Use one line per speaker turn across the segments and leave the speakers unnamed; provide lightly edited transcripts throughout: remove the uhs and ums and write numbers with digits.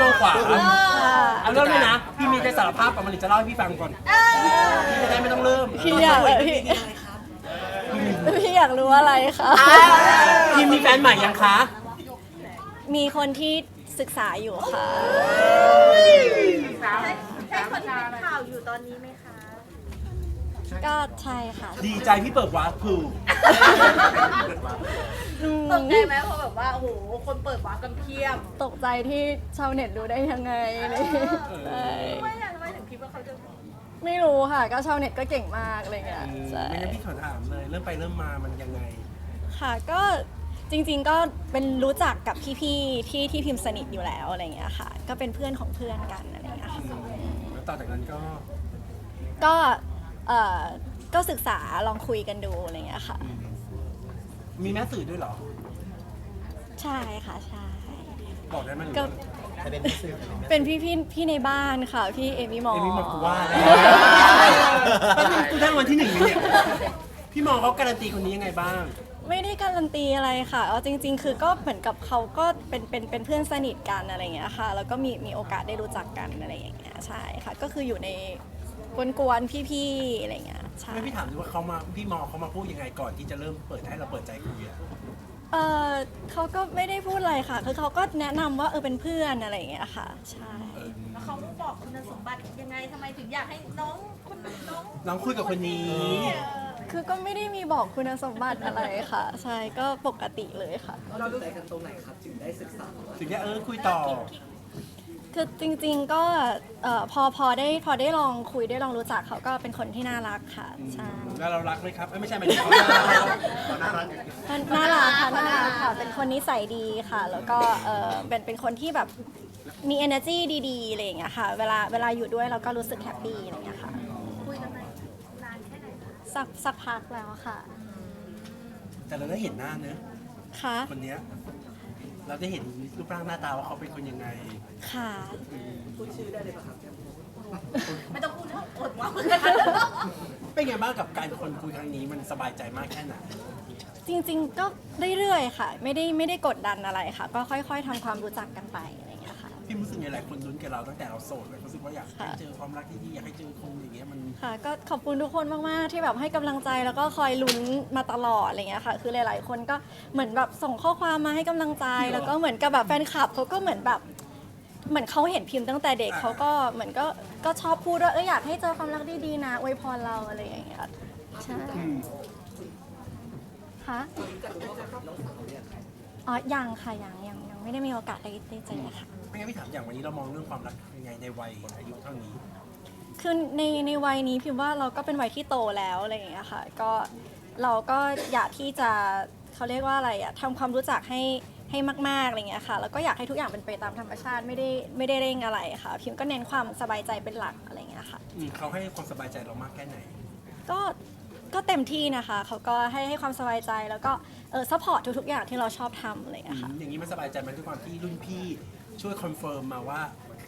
อขวาเอาเริ่มเลยนะพี่มีจะสารภาพกับมันหรือจะเล่าให้พี่ฟังก่อนพี่จะได้ไม่ต้องเริ่ม
พี่อยากพี่อยากรู้อะไรคะ
พี่มีแฟนใหม่ยังคะ
มีคนที่ศึกษาอยู่ค่ะ
ใช่คนที่เป็นข่าวอยู่ตอนนี้ไหมคะ
ก็ใช่ค่ะ
ดีใจพี่เปิดวาร์ปคือ
ตกใจไหมเพราะแบบว่าโอ้โหคนเปิดวาร์ปกันเพียบ
ตกใจที่ชาวเน็ตรู้ได้ยังไงอะไรอย่างเลยใช่
ทำไมถึงคิดว่าเขาจะ
ไม่รู้ค่ะ ก็ชาวเน็ตก็เก่งมากอะไรเงี้ยใช่
ไม่งั้นพี่ขอถามเลยเริ่มไปเริ่มมามันยังไง
ค่ะก็จริงๆก็เป็นรู้จักกับพี่ๆที่พิมพ์สนิทอยู่แล้วอะไรเงี้ยค่ะ ก็เป็นเพื่อนของเพื่อนกันอะไรเงี้ยค่ะ
แล้วต่อจากนั้นก็
ก็เอ่อก็ศึกษาลองคุยกันดูอะไรเงี้ยค่ะ
มีแม่สื่อด้วยเหรอ
ใช่ค่ะใช่
บอกได้ไหมหรือ
ก็
ว่า
เป็นพี่ในบ้านค่ะ พี่เอมี่มอ
เอมี่มากูว่าแล้วกูทั้งวันที่หนึ่งเนี่ยพี่มองเขาการันตีคนนี้ยังไงบ้าง
ไม่ได้การันตีอะไรค่ะเอาจริงๆ คือก็เหมือนกับเขาก็เป็นเพื่อนสนิทกันอะไรอย่างเงี้ยค่ะ แล้วก็มีโอกาสได้รู้จักกันอะไรอย่างเงี้ยใช่ค่ะ ก็คืออยู่ในกวนๆพี่ๆอะไรอย่างเงี้ยใช่
ไม่พี่ถามดูว่าเขามาพี่มองเขามาพูดยังไงก่อนที่จะเริ่มเปิดให้เราเปิดใจคุยอะ
เออเขาก็ไม่ได้พูดอะไรค่ะ คือเขาก็แนะนำว่าเป็นเพื่อนอะไรอย่างเงี้ยค่ะ ใช่
แล้วเขาบอกคุณสมบัติยังไงทำไมถึงอยากให้น้องคุณน้อง
น้องคุยกับคนนี้
คือก็ไม่ได้มีบอกคุณสมบัติอะไรค่ะ ใช่ก็ปกติเลยค่ะ
เราดูใจกันตรงไหนครับถึงได้ศึกษา
ถึงได้คุยต่อ
คือจริงๆก็พอได้ลองคุยได้ลองรู้จักเขาก็เป็นคนที่น่ารักค่ะใช่
แล้วเรารักไหมครับไม่ใช่หมายถึงเขาน่ารัก
น่ารักค่ะน่ารักค่ะเป็นคนนิสัยดีค่ะ แล้วก็เป็นคนที่แบบมี energy ดีๆอะไรอย่างเงี้ยค่ะเวลาอยู่ด้วยเราก็รู้สึกแฮปปี้อะไรอย่างเงี้ยค่ะ
คุยกันนานแค่ไหนคะ
สักพักแล้วค่ะ
แต่เราได้เห็นหน้าเนอะ
ค่ะ
คนเนี้ยเราได้เห็นรูปร่างหน้าตาว่าเขาเป็นคนยังไง
ค่ะ
พูดชื่อได้เลยป่ะครับ
ไม่ต้องพูดเท่าอดว่า
เป็นไงบ้างกับการคนคุยครั้งนี้มันสบายใจมากแค่ไหน
จริงๆก็เรื่อยๆค่ะ ไม่ได้กดดันอะไรค่ะ ก็ค่อยๆทำความรู้จักกันไปอะไรอย่างเงี้ยค่ะ
พี่รู้สึกไงหลายคนลุ้นกับเราตั้งแต่เราโสดเลยรู้สึกว่าอยากให้เจอความรักที่ดีอยากให้เจอคนอย่างเงี้ยมัน
ค่ะก็ขอบคุณทุกคนมากๆที่แบบให้กำลังใจแล้วก็คอยลุ้นมาตลอดอะไรเงี้ยค่ะ คือหลายๆคนก็เหมือนแบบส่งข้อความมาให้กำลังใจ แล้วก็เหมือนกับแบบแฟนคลับเขาก็เหมือนแบบเหมือนเขาเห็นพิมพ์ตั้งแต่เด็กเขาก็เหมือนก็ชอบพูดว่าอยากให้เจอความรักดีๆนะอวยพรเราอะไรอย่างเงี้ยใช่ค่ะอ๋อยังค่ะยังไม่ได้มีโอกาสได้เจอค่ะ
ไม่งั้นพี่ถามอย่างวันนี้เรามองเรื่องความรักยังไงในวัยอายุเท่านี้
คือในวัยนี้พิมพ์ว่าเราก็เป็นวัยที่โตแล้วอะไรอย่างเงี้ยค่ะก็เราก็อยากที่จะเขาเรียกว่าอะไรอะทำความรู้จักให้มากๆอะไรเงี้ยค่ะแล้วก็อยากให้ทุกอย่างเป็นไปตามธรรมชาติไม่ได้เร่งอะไรค่ะพิมก็เน้นความสบายใจเป็นหลักอะไรเงี้ยค่ะ
เขาให้ความสบายใจเรามากแค่ไหน
ก็เต็มที่นะคะเขาก็ให้ความสบายใจแล้วก็ซัพพอร์ตทุกๆอย่างที่เราชอบทำอะไรเงี้ยค่ะ
อย่างนี้มันสบายใจมันด้วยความที่รุ่นพี่ช่วยคอนเฟิร์มมาว่า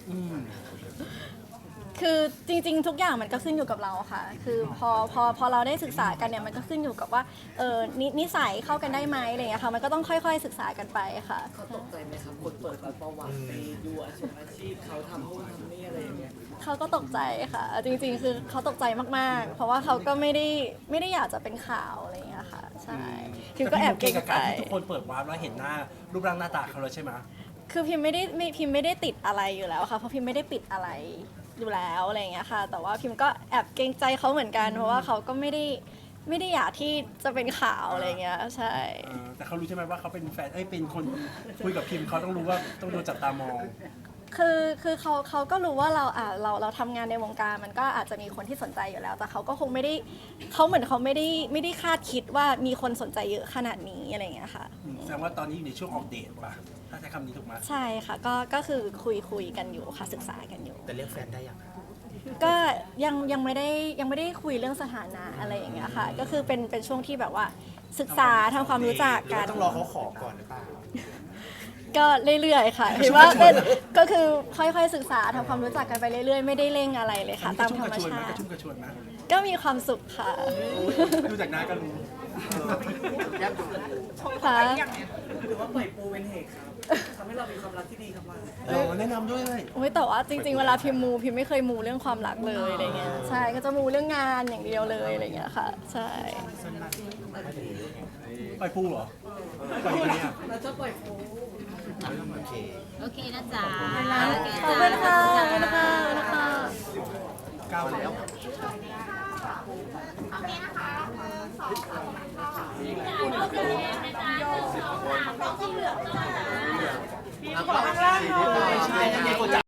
คือจริงๆ ทุกอย่างมันก็ขึ้นอยู่กับเราค่ะ คือพอเราได้ศึกษากันเนี่ยมันก็ขึ้นอยู่กับว่านิสัยเข้ากันได้ไหมอะไรอย่างเงี้ยค่ะ มันก็ต้องค่อยๆศึกษากันไปค่ะ
เขาตกใจไหมครับคนเปิดประวัติไปดูอาชีพเขาทำนู่นทำนี่อะไรอย่างเงี้ย
เขาก็ตกใจค่ะ จริงๆ คือเขาตกใจมากๆ เพราะว่าเขาก็ไม่ได้อยากจะเป็นข่าวอะไรอย่างเงี้ยค่ะ ใช่พิมก็แอบเกรง
กับ
ใจ
การที่ทุกคนเปิดวาร์ปแล้วเห็นหน้ารูปร่างหน้าตาเขาแล้วใช่ไหม
คือพิมไม่ได้ติดอะไรอยู่แล้วค่ะ เพราะพิมไม่ได้ปิดอะไรอยู่แล้วอะไรอย่างเงี้ยค่ะ แต่ว่าพิมก็แอบเกรงใจเขาเหมือนกัน เพราะว่าเขาก็ไม่ได้อยากที่จะเป็นข่าวอะไรเงี้ย ใช่
แต่เขารู้ใช่ไหมว่าเขาเป็นแฟนเป็นคนคุยกับพิมพ์เขาต้องรู้ว่าต้องโดนจับตามอง
คือเขาก็รู้ว่าเราทำงานในวงการมันก็อาจจะมีคนที่สนใจอยู่แล้ว แต่เขาก็คงไม่ได้เขาเหมือนเขาไม่ได้คาดคิดว่ามีคนสนใจเยอะขนาดนี้อะไรอย่างเงี้ยค่ะ
แสดงว่าตอนนี้อยู่ในช่วงออกเดทป่ะถ้าใช้คำนี้ถูกไหม
ใช่ค่ะก็คือคุยกันอยู่ค่ะศึกษากันอยู่
แต่เรียกแฟนได้ยัง
ก็ยังไม่ได้คุยเรื่องสถานะอะไรอย่างเงี้ยค่ะ ก็คือเป็นช่วงที่แบบว่าศึกษาทำความรู้จักกัน
ต้องรอเขาขอก่อนหรือเปล่า
ก็เรื่อยๆค่ะเห็นว่าเป็นก็คือค่อยๆศึกษาทำความรู้จักกันไปเรื่อยๆไม่ได้เร่งอะไรเลยค่ะ ตามธรรมชาติ
กระชุ่มกระชวยไหม
ก็มีความสุขค่ะ
ดูจากหน้าก็รู้
ค่ะ
หรือว่าปล่อยปูเป็นเหตุครับทำให้เรามีความรักที่ดีครับว่า
แนะนำด้วย
โอ้ยแต่ว่าจริงๆเวลาพิมพ์มูพิมไม่เคยมูเรื่องความรักเลยอะไรเงี้ยใช่ก็จะมูเรื่องงานอย่างเดียวเลยอะไรเงี้ยค่ะใช่
ปล่อยปูเหรอปล่อยอะไรอ่ะ
เราจะปล่อยโฟ
โอเคนะจ๊ะ
ขอบคุณค่ะขอบคุณค่ะขอบคุณค่ะ
ก้าวแล้ว
พี่ขอข้างล่างหน่อย
ใช่แล้วมีคน